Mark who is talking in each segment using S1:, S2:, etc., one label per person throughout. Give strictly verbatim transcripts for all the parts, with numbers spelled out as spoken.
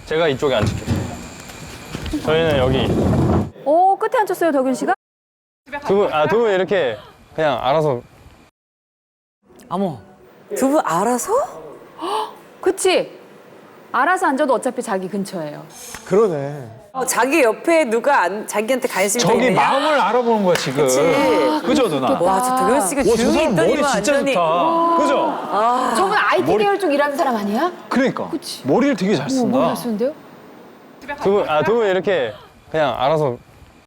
S1: 제가 이쪽에 앉을게요. 저희는 여기.
S2: 오, 끝에 앉혔어요, 덕윤 씨가?
S1: 두 분, 아, 두 분 이렇게 그냥 알아서.
S3: 어머.
S4: 두 분 알아서?
S2: 그치? 알아서 앉아도 어차피 자기 근처예요.
S5: 그러네.
S4: 어, 자기 옆에 누가 안, 자기한테 관심이
S6: 저기
S4: 있냐?
S6: 마음을 알아보는 거야 지금.
S4: 그치.
S6: 그죠 누나?
S4: 와, 저 덕현 씨가
S6: 와, 저
S4: 조용히
S6: 사람 머리
S4: 있더니만
S6: 진짜
S4: 완전히.
S6: 좋다. 그죠?
S2: 저분 아이티
S6: 머리-
S2: 계열 쪽 일하는 사람 아니야?
S6: 그러니까.
S2: 그치.
S6: 머리를 되게 잘
S2: 오,
S6: 쓴다.
S2: 뭐 하시는데요?
S1: 두 분, 아, 두 분 이렇게 그냥 알아서.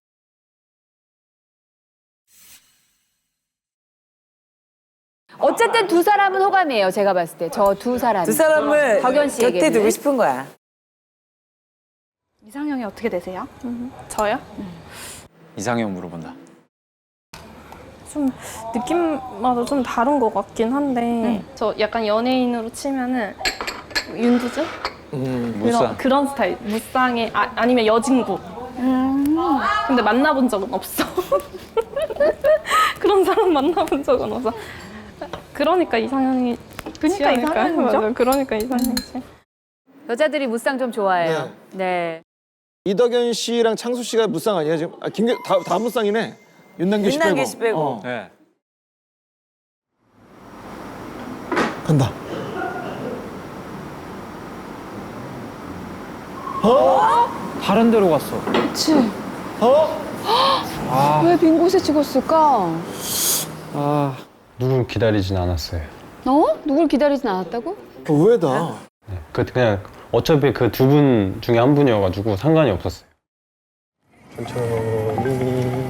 S2: 어쨌든 두 사람은 호감이에요, 제가 봤을 때. 저 두 사람.
S4: 두 사람을
S2: 덕현
S4: 곁에
S2: 씨에게는.
S4: 두고 싶은 거야.
S7: 이상형이 어떻게 되세요? 저요?
S6: 이상형 물어본다.
S7: 좀 느낌마다 좀 다른 것 같긴 한데 저 약간 연예인으로 치면은 윤두주?
S6: 음,
S7: 그런,
S6: 무쌍.
S7: 그런 스타일. 무쌍의 아, 아니면 여진구. 근데 만나본 적은 없어. 그런 사람 만나본 적은 없어. 그러니까 이상형이 그러니까
S2: 이상형이죠?
S7: 맞아. 그러니까 이상형이지.
S2: 여자들이 무쌍 좀 좋아해요. 네.
S5: 이덕현 씨랑 창수 씨가 무쌍 아니야 지금? 아, 김계 다, 다 무쌍이네. 윤남규 씨 빼고.
S4: 윤남규 씨 빼고.
S5: 어.
S6: 네.
S5: 간다.
S6: 다른 데로 갔어.
S2: 그치.
S5: 어?
S2: 왜 빈 곳에 찍었을까?
S1: 아. 누굴 기다리진 않았어요.
S2: 어? 누굴 기다리진 않았다고?
S5: 의외다.
S1: 네, 그 그냥 어차피 그 두 분 중에 한 분이어가지고 상관이 없었어요. 천천히.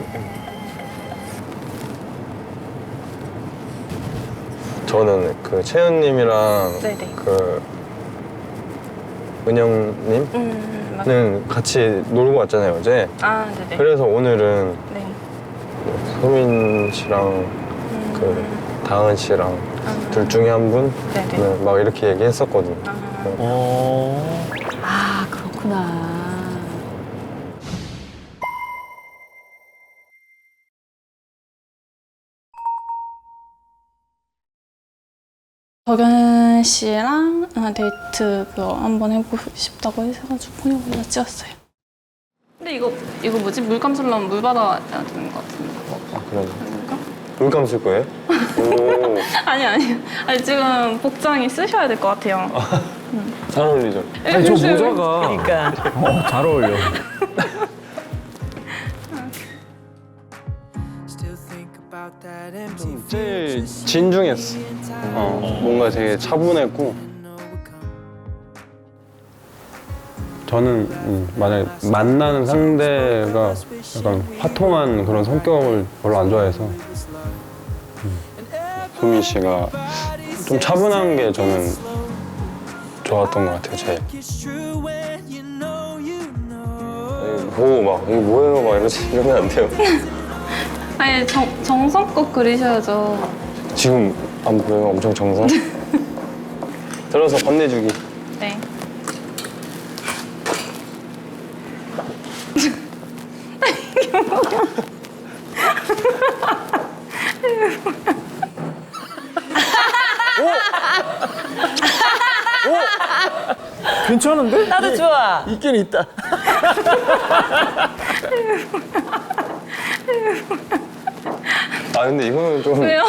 S1: 저는 그 채연님이랑
S7: 네네.
S1: 그 은영님은
S7: 음, 맞...
S1: 같이 놀고 왔잖아요 어제.
S7: 아, 네네.
S1: 그래서 오늘은
S7: 네.
S1: 소민 씨랑 그 다은 씨랑 둘 중에 한 분?
S7: 네네.
S1: 네, 막 이렇게 얘기했었거든요.
S5: 어.
S2: 아, 그렇구나.
S7: 덕현 씨랑 아, 데이트 그거 한번 해보고 싶다고 해가지고 그냥 찍었어요. 근데 이거 이거 뭐지? 물감 쓰려면 물 받아야 되는 것 같은데.
S1: 아, 그래. 물감 쓸 거예요? 오,
S7: 아니 아니 아니 지금 복장이 쓰셔야 될 것 같아요.
S1: 잘 어울리죠?
S6: 아니 저 모자가
S4: 그러니까.
S6: 어, 잘 어울려.
S1: 제일 진중했어. 어, 뭔가 되게 차분했고. 저는 음, 만약에 만나는 상대가 약간 화통한 그런 성격을 별로 안 좋아해서 음, 소민 씨가 좀 차분한 게 저는 좋았던 것 같아요, 제일. 아니, 보고 막 이거 뭐예요? 막 이러지, 이러면 안 돼요.
S7: 아니 정, 정성껏 그리셔야죠.
S1: 지금 안 보여요? 엄청 정성? 들어서 건네주기.
S7: 네.
S5: 괜찮은데?
S4: 나도 좋아.
S5: 있긴 있다.
S1: 아 근데 이거는 좀
S7: 왜요?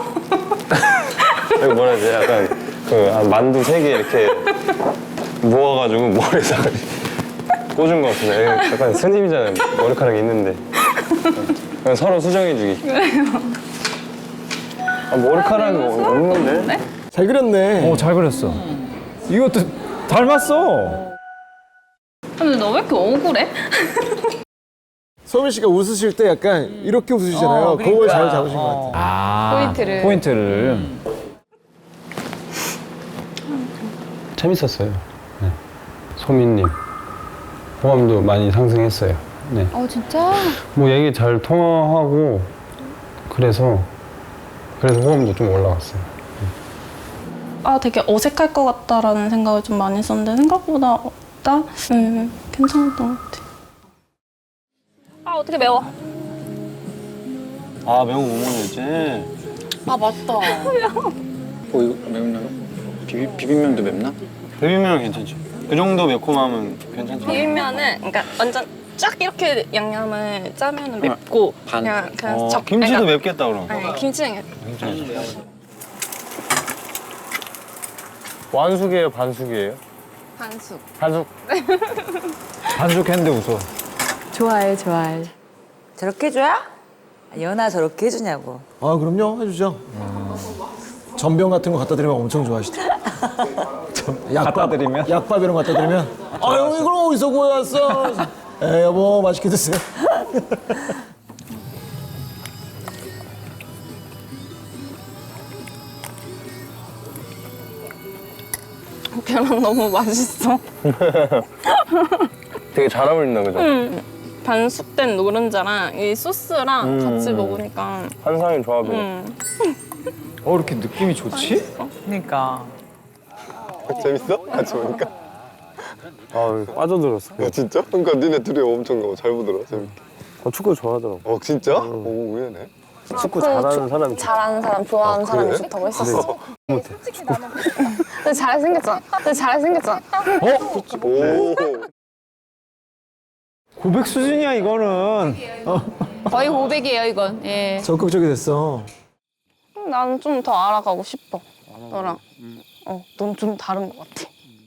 S1: 이거 뭐라 해야 지 약간 그 한 만두 세 개 이렇게 모아가지고 머리에다가 꽂은 것 같은데 약간 스님이잖아요. 머리카락이 있는데 그냥 서로 수정해주기.
S7: 왜요?
S1: 아, 머리카락이 없는데?
S5: 잘 그렸네.
S6: 어, 잘 그렸어. 이것도 닮았어.
S7: 근데 너 왜 이렇게 억울해?
S5: 소민 씨가 웃으실 때 약간 이렇게 웃으시잖아요.
S4: 어,
S5: 그걸
S4: 그러니까.
S5: 잘 잡으신 것 같아요.
S6: 아,
S2: 포인트를.
S6: 포인트를.
S1: 재밌었어요. 네. 소민님 호감도 많이 상승했어요. 네.
S2: 어, 진짜?
S1: 뭐 얘기 잘 통화하고 그래서 그래서 호감도 좀 올라갔어요.
S7: 아 되게 어색할 것 같다라는 생각을 좀 많이 했었는데 생각보다 없다? 음, 괜찮았던 것 같아. 아 어떻게 매워?
S1: 아 매운 거 못 먹었지?
S2: 아, 맞다.
S1: 어 이거 매운가요? 비비, 비빔면도 맵나? 비빔면은 괜찮죠. 그 정도 매콤하면 괜찮죠?
S7: 비빔면은 그러니까 완전 쫙 이렇게 양념을 짜면 맵고 그냥 그냥
S1: 어,
S7: 적
S1: 김치도
S7: 그러니까-
S1: 맵겠다 그럼.
S7: 아니 김치는
S1: 완숙이에요, 반숙이에요?
S7: 반숙.
S1: 반숙.
S6: 반죽했는데 웃어.
S2: 좋아해, 좋아해.
S4: 저렇게 해줘야? 연아 저렇게 해주냐고.
S5: 아 그럼요 해주죠. 전병 같은 거 갖다 드리면 엄청 좋아하시죠. 약밥
S6: 갖다 드리면?
S5: 약밥 이런 거 갖다 드리면 아유 이걸 어디서 구해왔어? 에 여보 맛있게 드세요.
S7: 계란 너무 맛있어.
S1: 되게 잘 어울린다, 그죠?
S7: 반숙된 노른자랑 이 소스랑
S1: 음.
S7: 같이 먹으니까
S1: 환상의 조합이.
S7: 음.
S6: 어, 이렇게 느낌이 좋지?
S4: 그러니까.
S8: 재밌어? 같이 보니까?
S1: 아, 빠져들었어.
S8: 야 진짜? 그러니까 니네 둘이 엄청 잘 보더라 재밌게.
S1: 어, 축구 좋아하더라고.
S8: 어 진짜? 오 의외네.
S1: 축구 잘하는 사람이
S7: 잘하는 사람, 좋아하는
S8: 아,
S7: 사람이
S8: 그래?
S7: 좋다고 했었어. 근데 잘생겼잖아. 근데 잘생겼잖아.
S8: 오.
S6: 고백 수준이야, 이거는.
S2: 거의 고백이에요, 이건. 예.
S5: 적극적이 됐어.
S7: 나는 좀 더 알아가고 싶어. 너랑. 어, 넌 좀 다른 것 같아.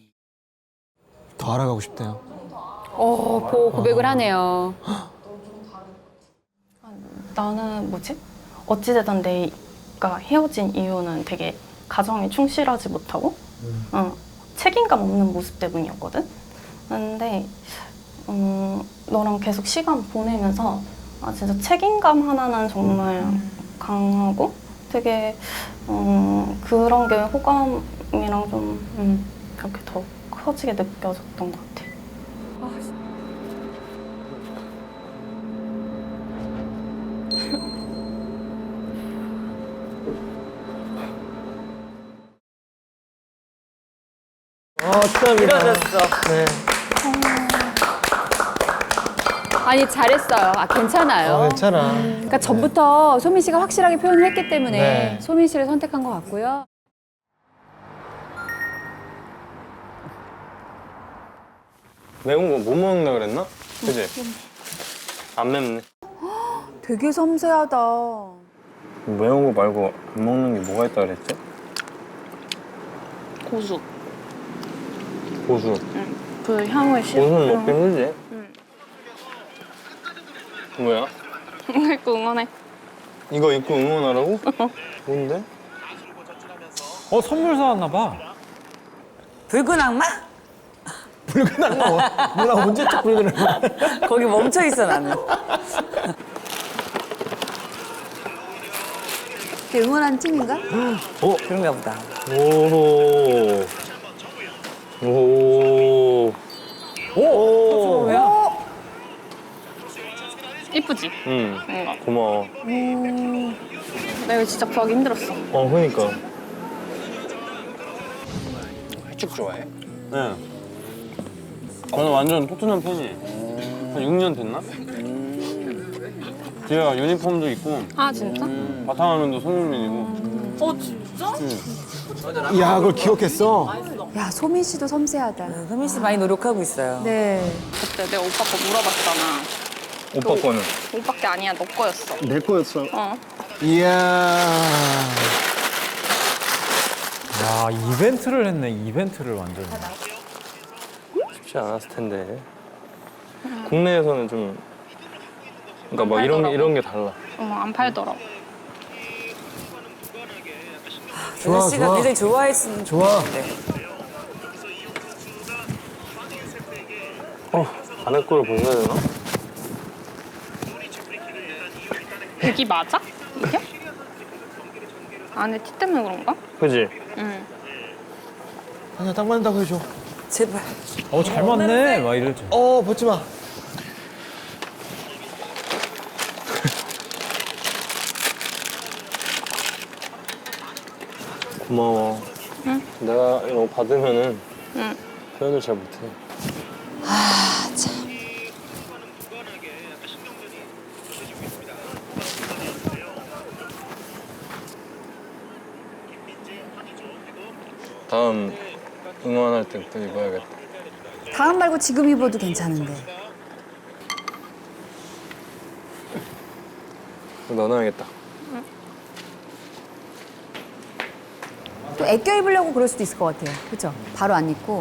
S5: 더 알아가고 싶대요.
S2: 어, 보 고백을 하네요.
S7: 나는 뭐지? 어찌되든 내가 헤어진 이유는 되게 가정에 충실하지 못하고 어, 책임감 없는 모습 때문이었거든? 근데 음, 너랑 계속 시간 보내면서 아, 진짜 책임감 하나는 정말 강하고 되게 음, 그런 게 호감이랑 좀 음, 그렇게 더 커지게 느껴졌던 것 같아.
S5: 아 축하합니다.
S4: 이뤄졌어.
S5: 네.
S2: 아니, 잘했어요. 아, 괜찮아요.
S5: 어, 괜찮아.
S2: 그러니까 전부터 소민 씨가 확실하게 표현을 했기 때문에
S5: 네.
S2: 소민 씨를 선택한 것 같고요.
S1: 매운 거 못 먹는다 그랬나? 그지? 안 맵네.
S2: 되게 섬세하다.
S1: 매운 거 말고 안 먹는 게 뭐가 있다 그랬지?
S7: 고수.
S1: 고수.
S7: 그 향을 실.
S1: 고수는 먹기 힘들지?
S7: 응.
S1: 뭐야?
S7: 이거 응원해.
S1: 이거 입고 응원하라고? 뭔데?
S6: 어, 선물 사왔나 봐.
S4: 붉은 악마?
S5: 붉은 악마 뭐? 누나 언제적 붉은 악마?
S4: 거기 멈춰 있어 나는.
S2: 이렇게 응원한 팀인가?
S1: 어?
S4: 그런가 보다.
S1: 오. 오. 오.
S7: 이쁘지?
S1: 응.
S7: 뭔가.
S1: 고마워.
S7: 나 이거 진짜 구하기 힘들었어.
S1: 어, 그러니까. 쭉 좋아해? 네. 저는 완전 토트넘 팬이에요. 한 육 년 됐나? 제가 유니폼도 입고
S7: 아 진짜?
S1: 바탕화면도 손흥민이고.
S7: 어 진짜?
S5: 야 그걸 기억했어.
S2: 야, 소민 씨도 섬세하다.
S4: 소민 씨 많이 노력하고 있어요.
S2: 네.
S7: 그때 내가 오빠 거 물어봤잖아.
S1: 오빠 거는?
S7: 오빠 게 아니야, 너 거였어.
S1: 내 거였어.
S7: 어.
S5: 이야.
S6: 야, 이벤트를 했네, 이벤트를 완전.
S1: 쉽지 않았을 텐데. 국내에서는 좀 그러니까 막 이런 게 이런 게 달라.
S7: 어머 안 팔더라고.
S5: 좋아,
S4: 소민 씨가
S5: 좋아.
S4: 굉장히 좋아했으면
S5: 좋아.
S4: 좋겠는데.
S1: 어, 안에 거를 벗어야 되나?
S7: 여기 맞아? 이게? 안에 티 때문에 그런가?
S1: 그지?
S7: 응.
S5: 아니야 딱 맞는다고 해줘.
S4: 제발.
S6: 어, 잘 맞네. 막 이러지.
S5: 어 벗지 마.
S1: 고마워.
S7: 응?
S1: 내가 이거 받으면은
S7: 응.
S1: 표현을 잘 못해.
S2: 아, 참.
S1: 다음 응원할 때부터 입어야겠다.
S2: 다음 말고 지금 입어도 괜찮은데.
S8: 넣어놔야겠다.
S2: 또 애껴 입으려고 그럴 수도 있을 것 같아요. 그렇죠? 바로 안 입고.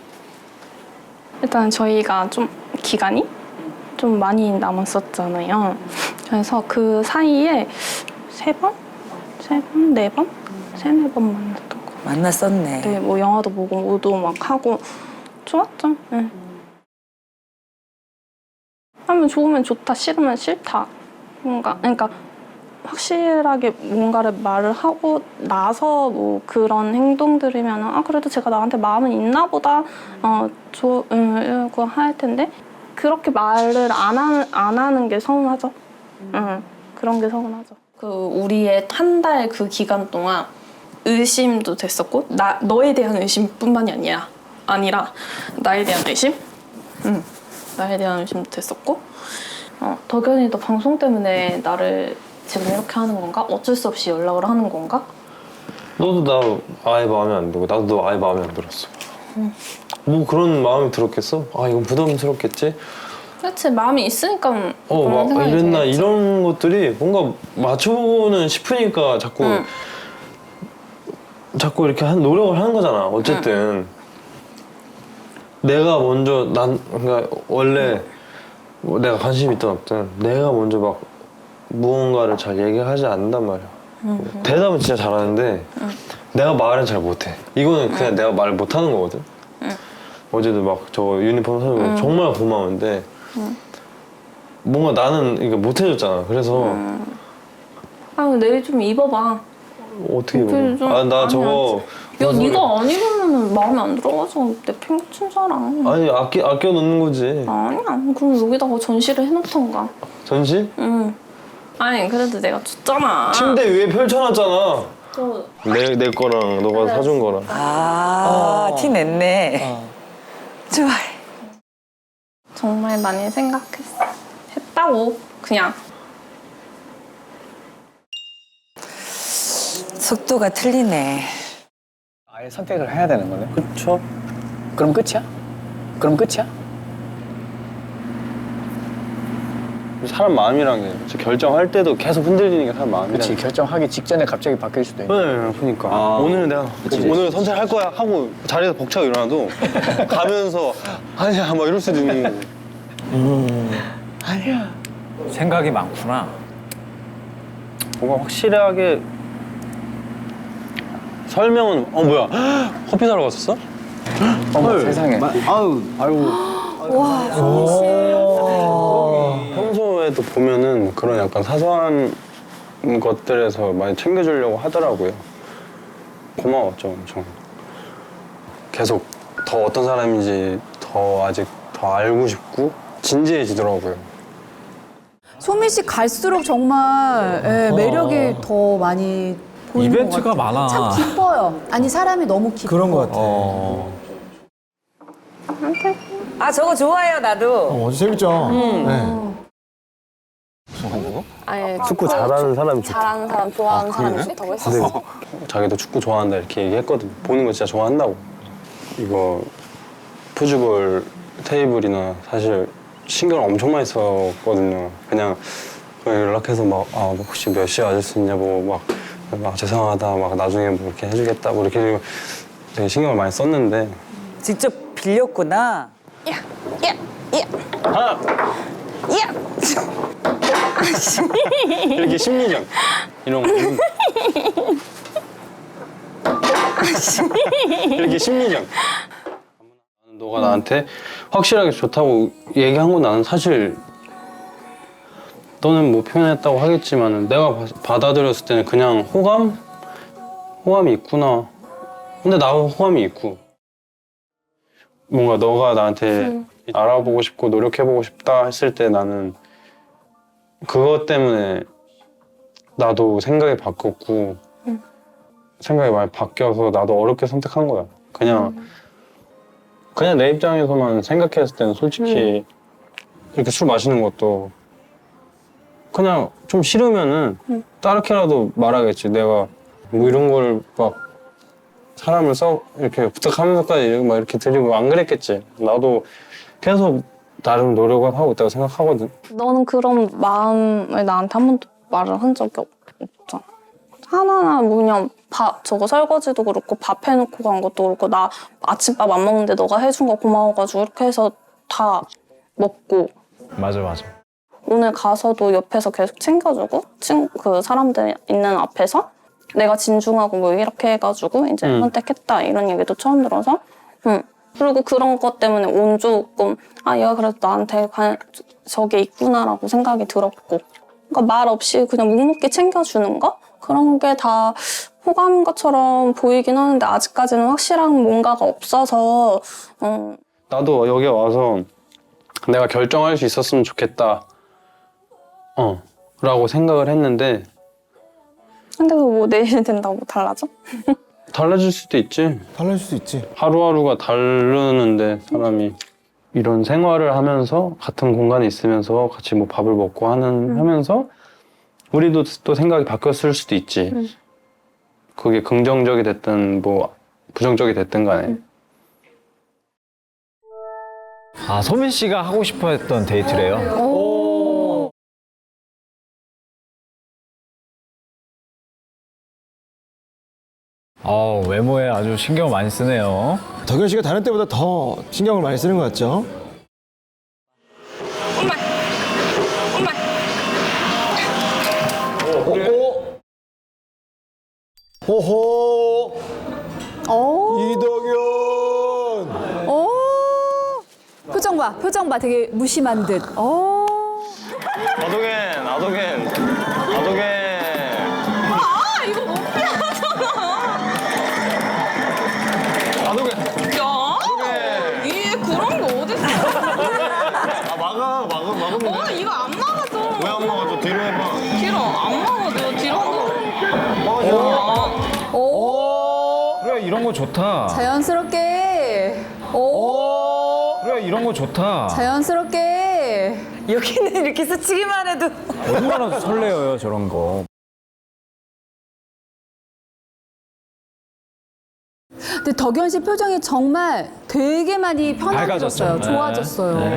S7: 일단 저희가 좀 기간이 좀 많이 남았었잖아요. 그래서 그 사이에 세 번? 세 번? 네 번? 세네 번 만났던 거.
S4: 만났었네.
S7: 네, 뭐 영화도 보고 뭐도 막 하고 좋았죠. 네. 하면 좋으면 좋다, 싫으면 싫다. 뭔가 그러니까 확실하게 뭔가를 말을 하고 나서 뭐 그런 행동들이면 아 그래도 제가 나한테 마음은 있나 보다 어좋 이러고 할 텐데 그렇게 말을 안 하는 안 하는 게 서운하죠. 응, 그런 게 서운하죠. 그 우리의 한 달 그 기간 동안 의심도 됐었고 나 너에 대한 의심뿐만이 아니라 아니라 나에 대한 의심, 응, 나에 대한 의심도 됐었고 어, 덕현이도 방송 때문에 나를 지금 이렇게 하는 건가? 어쩔 수 없이 연락을 하는 건가?
S1: 너도 나 아예 마음에 안 들고 나도 너 아예 마음에 안 들었어.
S7: 응.
S1: 뭐 그런 마음이 들었겠어? 아 이건 부담스럽겠지?
S7: 그렇지 마음이 있으니까
S1: 어,
S7: 그런
S1: 막
S7: 생각이
S1: 이랬나
S7: 들겠지.
S1: 이런 것들이 뭔가 맞춰보고는 싶으니까 자꾸
S7: 응.
S1: 자꾸 이렇게 한 노력을 하는 거잖아. 어쨌든 내가 먼저 난 그러니까 원래 뭐 내가 관심 있든 없든 내가 먼저 막 무언가를 잘 얘기하지 않는단 말이야.
S7: 응.
S1: 대답은 진짜 잘하는데
S7: 응.
S1: 내가 말은 잘 못해. 이거는 그냥
S7: 응.
S1: 내가 말을 못하는 거거든.
S7: 응.
S1: 어제도 막 저 유니폼 사주고
S7: 응.
S1: 정말 고마운데
S7: 응.
S1: 뭔가 나는 이게 못해줬잖아. 그래서
S7: 응. 아 내일 좀 입어봐.
S1: 어떻게
S7: 어떻게 좀-
S1: 아 나
S7: 아니,
S1: 저거
S7: 야
S1: 무슨 소리-
S7: 네가 안 입으면 마음에 안 들어가지고 내 팽 친잖아.
S1: 아니 아껴 아껴 놓는 거지.
S7: 아니야. 그럼 여기다가 전시를 해놓던가.
S1: 전시?
S7: 응. 아니 그래도 내가 줬잖아.
S1: 침대 위에 펼쳐놨잖아.
S7: 저
S1: 내 내 거랑 너가 사준 거랑.
S4: 아, 티 냈네. 좋아해.
S7: 정말 많이 생각했어. 했다고 그냥.
S4: 속도가 틀리네.
S6: 아예 선택을 해야 되는 거네.
S1: 그쵸?
S6: 그럼 끝이야? 그럼 끝이야?
S1: 사람 마음이란 게 진짜 결정할 때도 계속 흔들리는 게 사람 마음이란
S6: 그렇지.
S1: 게.
S6: 결정하기 직전에 갑자기 바뀔 수도 있는.
S1: 네, 그러니까 오늘은 내가 오늘 선택할 거야 하고 자리에서 벅차고 일어나도 가면서 아니야 막 이럴 수도 있는 거고.
S6: 생각이 많구나.
S1: 뭔가 확실하게 설명은 어 뭐야 커피 사러 갔었어?
S6: 어머 세상에. 아유 아유.
S1: 평소에도 보면은 그런 약간 사소한 것들에서 많이 챙겨주려고 하더라고요. 고마웠죠 엄청. 계속 더 어떤 사람인지 더 아직 더 알고 싶고 진지해지더라고요.
S2: 소민 씨 갈수록 정말 예, 매력이 더 많이 보이는
S5: 이벤트가
S2: 것 같아요.
S5: 많아.
S2: 참 기뻐요. 아니 사람이 너무 기뻐.
S5: 그런 것 같아.
S1: 어.
S4: 아, 저거 좋아해요, 나도.
S5: 어, 아주 재밌죠? 네.
S7: 아예
S1: 축구 잘하는 사람이 좋다.
S7: 잘하는 사람 좋아하는 사람이 좋다고 했었어.
S1: 근데 자기도 축구 좋아한다 이렇게 얘기했거든. 보는 거 진짜 좋아한다고. 이거 푸즈볼 테이블이나 사실 신경 엄청 많이 썼거든요. 그냥 연락해서 막 아, 혹시 몇 시에 와줄 수 있냐고 막, 막 죄송하다 막 나중에 뭐 이렇게 해주겠다고 이렇게 되게 신경을 많이 썼는데
S4: 직접 빌렸구나.
S7: 야, 야, 야,
S1: 하나
S7: 야.
S1: 이렇게 심리전 이런 거 이렇게 심리전 너가 나한테 확실하게 좋다고 얘기한 건 나는 사실 너는 뭐 표현했다고 하겠지만 내가 바- 받아들였을 때는 그냥 호감? 호감이 있구나. 근데 나도 호감이 있고 뭔가 너가 나한테
S7: 음.
S1: 알아보고 싶고 노력해보고 싶다 했을 때 나는 그것 때문에 나도 생각이 바뀌었고
S7: 음.
S1: 생각이 많이 바뀌어서 나도 어렵게 선택한 거야. 그냥 그냥 내 입장에서만 생각했을 때는 솔직히 이렇게 술 마시는 것도 그냥 좀 싫으면은
S7: 음.
S1: 따르게라도 말하겠지. 내가 뭐 이런 걸 막 사람을 써 이렇게 부탁하면서까지 이렇게 막 이렇게 드리고 안 그랬겠지. 나도 계속 나름 노력을 하고 있다고 생각하거든.
S7: 너는 그런 마음을 나한테 한 번도 말을 한 적이 없- 없잖아. 하나하나 뭐 그냥 밥 저거 설거지도 그렇고 밥 해놓고 간 것도 그렇고 나 아침밥 안 먹는데 너가 해준 거 고마워가지고 이렇게 해서 다 먹고
S6: 맞아 맞아.
S7: 오늘 가서도 옆에서 계속 챙겨주고 친, 그 사람들 있는 앞에서 내가 진중하고 뭐 이렇게 해가지고 이제
S1: 음.
S7: 선택했다 이런 얘기도 처음 들어서 응. 그리고 그런 것 때문에 온 조금 아 얘가 그래도 나한테 관, 저게 있구나라고 생각이 들었고 그러니까 말 없이 그냥 묵묵히 챙겨주는 거 그런 게 다 호감인 것처럼 보이긴 하는데 아직까지는 확실한 뭔가가 없어서 어,
S1: 나도 여기 와서 내가 결정할 수 있었으면 좋겠다. 어, 라고 생각을 했는데
S7: 근데 그거 뭐 내일 된다고 달라져?
S1: 달라질 수도 있지.
S5: 달라질 수 있지.
S1: 하루하루가 다르는데 사람이 이런 생활을 하면서 같은 공간에 있으면서 같이 뭐 밥을 먹고 하는 하면서 우리도 또 생각이 바뀌었을 수도 있지.
S7: 음.
S1: 그게 긍정적이 됐든 뭐 부정적이 됐든 간에.
S6: 아 소민 씨가 하고 싶어했던 데이트래요.
S2: 오.
S6: 아 외모에 아주 신경 많이 쓰네요.
S5: 덕현 씨가 다른 때보다 더 신경을 많이 쓰는 것 같죠? 오, 오호,
S2: 오.
S5: 이덕현.
S2: 오. 표정 봐, 표정 봐. 되게 무심한 듯. 오.
S8: 아도겐, 아도겐, 아도겐.
S4: 이게 그런 거 어딨어?
S8: 아 막아, 막아, 막으면 돼.
S4: 어, 이거 안 막아줘.
S8: 왜 안 막아줘? 뒤로 해봐.
S4: 길어, 안 막아줘. 뒤로 한
S2: 오.
S6: 그래 이런 거 좋다.
S2: 자연스럽게. 오.
S6: 그래 이런 거 좋다.
S2: 자연스럽게.
S4: 여기는 이렇게 스치기만 해도.
S6: 얼마나 설레어요 저런 거.
S2: 근데 덕현 씨 표정이 정말 되게 많이 편안해졌어요.
S6: 밝아졌죠.
S2: 좋아졌어요.
S6: 네.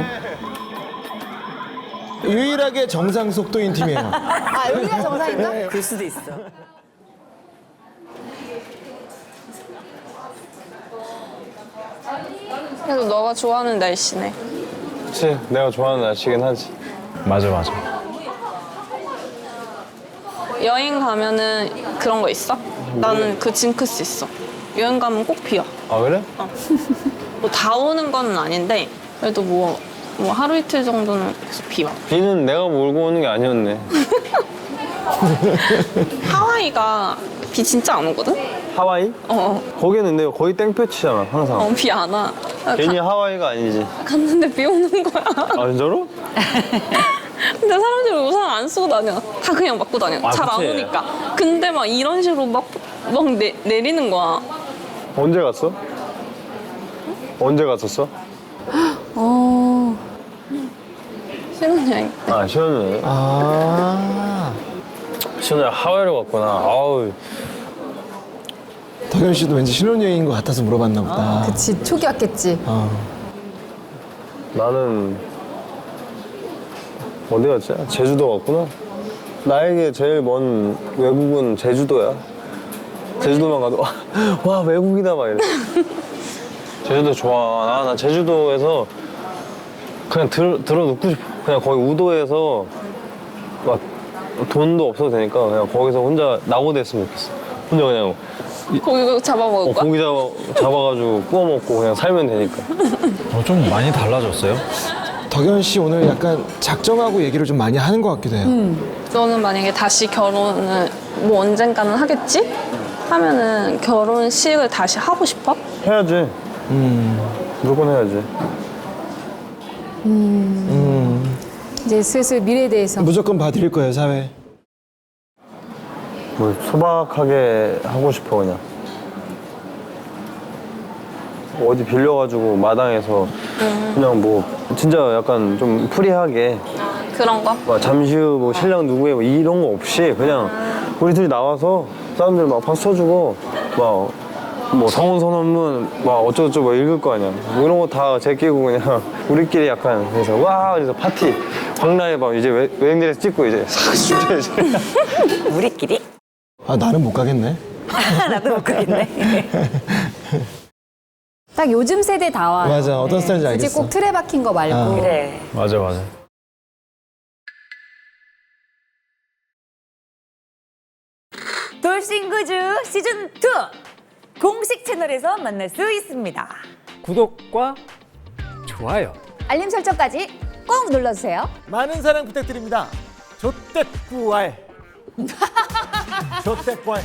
S5: 유일하게 정상 속도인 팀이에요.
S2: 아, 여기가 정상인가?
S4: 그럴 수도 있어.
S7: 그래도 너가 좋아하는 날씨네.
S1: 그치, 내가 좋아하는 날씨긴 하지.
S6: 맞아 맞아.
S7: 여행 가면은 그런 거 있어? 나는 그 징크스 있어. 여행 가면 꼭 비와.
S1: 아 그래?
S7: 뭐 다 오는 건 아닌데 그래도 뭐, 뭐 하루 이틀 정도는 계속 비와.
S1: 비는 내가 몰고 오는 게 아니었네.
S7: 하와이가 비 진짜 안 오거든?
S1: 하와이?
S7: 어,
S1: 거기는 근데 거의 땡볕이잖아 항상.
S7: 어, 비 안 와.
S1: 괜히 하와이가 아니지.
S7: 가, 갔는데 비 오는 거야.
S1: 아 진짜로?
S7: 근데 사람들이 우산 안 쓰고 다녀. 다 그냥 맞고 다녀.
S1: 아,
S7: 잘 안
S1: 그치.
S7: 오니까. 근데 막 이런 식으로 막, 막 내, 내리는 거야.
S1: 언제 갔어? 언제 갔었어?
S7: 어. 신혼여행.
S1: 아 시원해.
S5: 아,
S1: 시원해 하와이로 갔구나. 아우.
S5: 덕현 씨도 왠지 신혼여행인 것 같아서 물어봤나 보다.
S2: 그치, 초기였겠지.
S5: 어.
S1: 나는 어디 갔지? 제주도 갔구나. 나에게 제일 먼 외국은 제주도야. 제주도만 가도 와, 와 외국이다 막 이래. 제주도 좋아. 나, 나 제주도에서 그냥 들, 들어 눕고 싶어. 그냥 거기 우도에서 막 돈도 없어도 되니까 그냥 거기서 혼자 낙오대 했으면 좋겠어. 혼자 그냥
S7: 거기 잡아먹을
S1: 어,
S7: 거야?
S1: 고기 잡아, 잡아가지고 구워 먹고 그냥 살면 되니까.
S6: 어, 좀 많이 달라졌어요.
S5: 덕현 씨 오늘 약간 작정하고 얘기를 좀 많이 하는 것 같기도 해요.
S7: 너는 만약에 다시 결혼을 뭐 언젠가는 하겠지? 하면은 결혼식을 다시 하고 싶어?
S1: 해야지.
S5: 음,
S1: 무조건 해야지.
S5: 음.
S2: 이제 슬슬 미래에 대해서.
S5: 무조건 봐드릴 거예요, 사회.
S1: 뭐 소박하게 하고 싶어 그냥. 어디 빌려가지고 마당에서 그냥 뭐 진짜 약간 좀 프리하게
S7: 그런 거?
S1: 막 잠시 후 뭐 신랑 누구의 뭐 이런 거 없이 그냥 우리 둘이 나와서 사람들 막 박수 쳐주고 막 뭐 성원 선언문 막 어쩌고저쩌고 막 읽을 거 아니야. 뭐 이런 거 다 제끼고 그냥 우리끼리 약간 그래서 와 그래서 파티 광라에 막 이제 외- 여행지에서 찍고 이제 싹 진짜 이제
S4: 우리끼리?
S5: 아 나는 못 가겠네.
S4: 나도 못 가겠네.
S2: 딱 요즘 세대 다와.
S5: 맞아 어떤 스타일인지
S2: 굳이
S5: 알겠어.
S2: 꼭 틀에 박힌 거 말고.
S5: 아.
S4: 그래.
S6: 맞아 맞아.
S4: 돌싱구즈 시즌 투 공식 채널에서 만날 수 있습니다.
S6: 구독과 좋아요.
S2: 알림 설정까지 꼭 눌러주세요.
S5: 많은 사랑 부탁드립니다. 조떼꾸알. 조떼꾸알.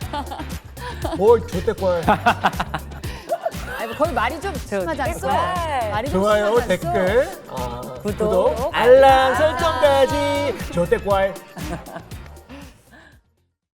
S5: 뭘 조떼꾸알.
S2: 아니, 거의 말이 좀 심하지 않소?
S4: 댓글.
S2: 말이 좀
S5: 좋아요
S2: 심하지 않소?
S5: 댓글 어,
S4: 구독,
S5: 알람 설정까지 조떼꾸알.